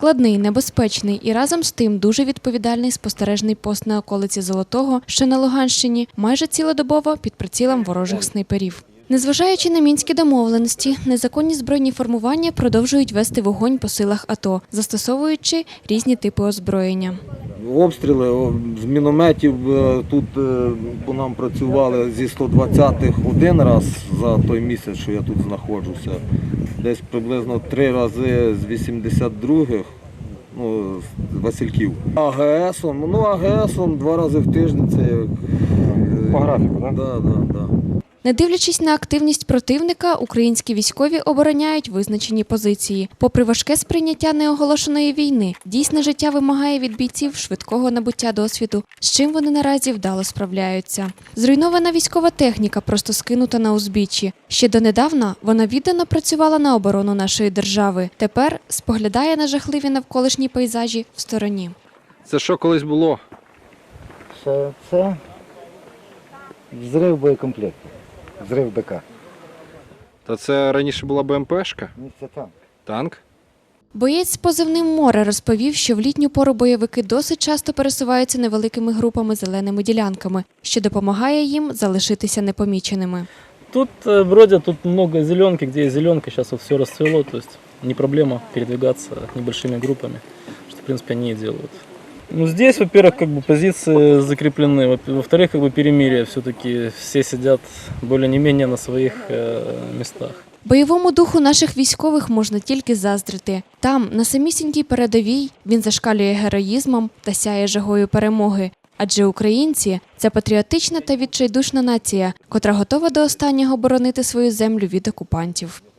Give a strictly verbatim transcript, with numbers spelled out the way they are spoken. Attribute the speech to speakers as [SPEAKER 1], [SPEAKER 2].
[SPEAKER 1] Складний, небезпечний і разом з тим дуже відповідальний спостережний пост на околиці Золотого, що на Луганщині, майже цілодобово під прицілом ворожих снайперів. Незважаючи на мінські домовленості, незаконні збройні формування продовжують вести вогонь по силах АТО, застосовуючи різні типи озброєння.
[SPEAKER 2] Обстріли з мінометів тут по нам працювали зі сто двадцятих один раз за той місяць, що я тут знаходжуся. Десь приблизно три рази з вісімдесят других, ну, з Васильків. АГСом, ну АГСом два рази в тиждень це як...
[SPEAKER 3] По графіку, так?
[SPEAKER 2] Да, да, да.
[SPEAKER 1] Не дивлячись на активність противника, українські військові обороняють визначені позиції. Попри важке сприйняття неоголошеної війни, дійсне життя вимагає від бійців швидкого набуття досвіду, з чим вони наразі вдало справляються. Зруйнована військова техніка просто скинута на узбіччі. Ще донедавна вона віддано працювала на оборону нашої держави. Тепер споглядає на жахливі навколишні пейзажі в стороні.
[SPEAKER 3] Це що колись було?
[SPEAKER 4] Це, це взрив боєкомплекту, взрив БК.
[SPEAKER 3] Та це раніше була БМПшка?
[SPEAKER 4] Ні, це танк.
[SPEAKER 3] Танк?
[SPEAKER 1] Боєць з позивним «Море» розповів, що в літню пору бойовики досить часто пересуваються невеликими групами зеленими ділянками, що допомагає їм залишитися непоміченими.
[SPEAKER 5] Тут бродят, тут много зеленки, где есть зеленка, сейчас вот все расцвело, то есть не проблема передвигаться небольшими группами, что в принципе они и делают. Ну, здесь, во-первых, как бы позиции закреплены, во-вторых, как бы перемирие, все-таки все сидят более не менее на своих э, местах.
[SPEAKER 1] Бойовому духу наших військових можна тільки заздрити. Там, на самісінькій передовій, він зашкалює героїзмом та сяє жагою перемоги. Адже українці – це патріотична та відчайдушна нація, котра готова до останнього боронити свою землю від окупантів.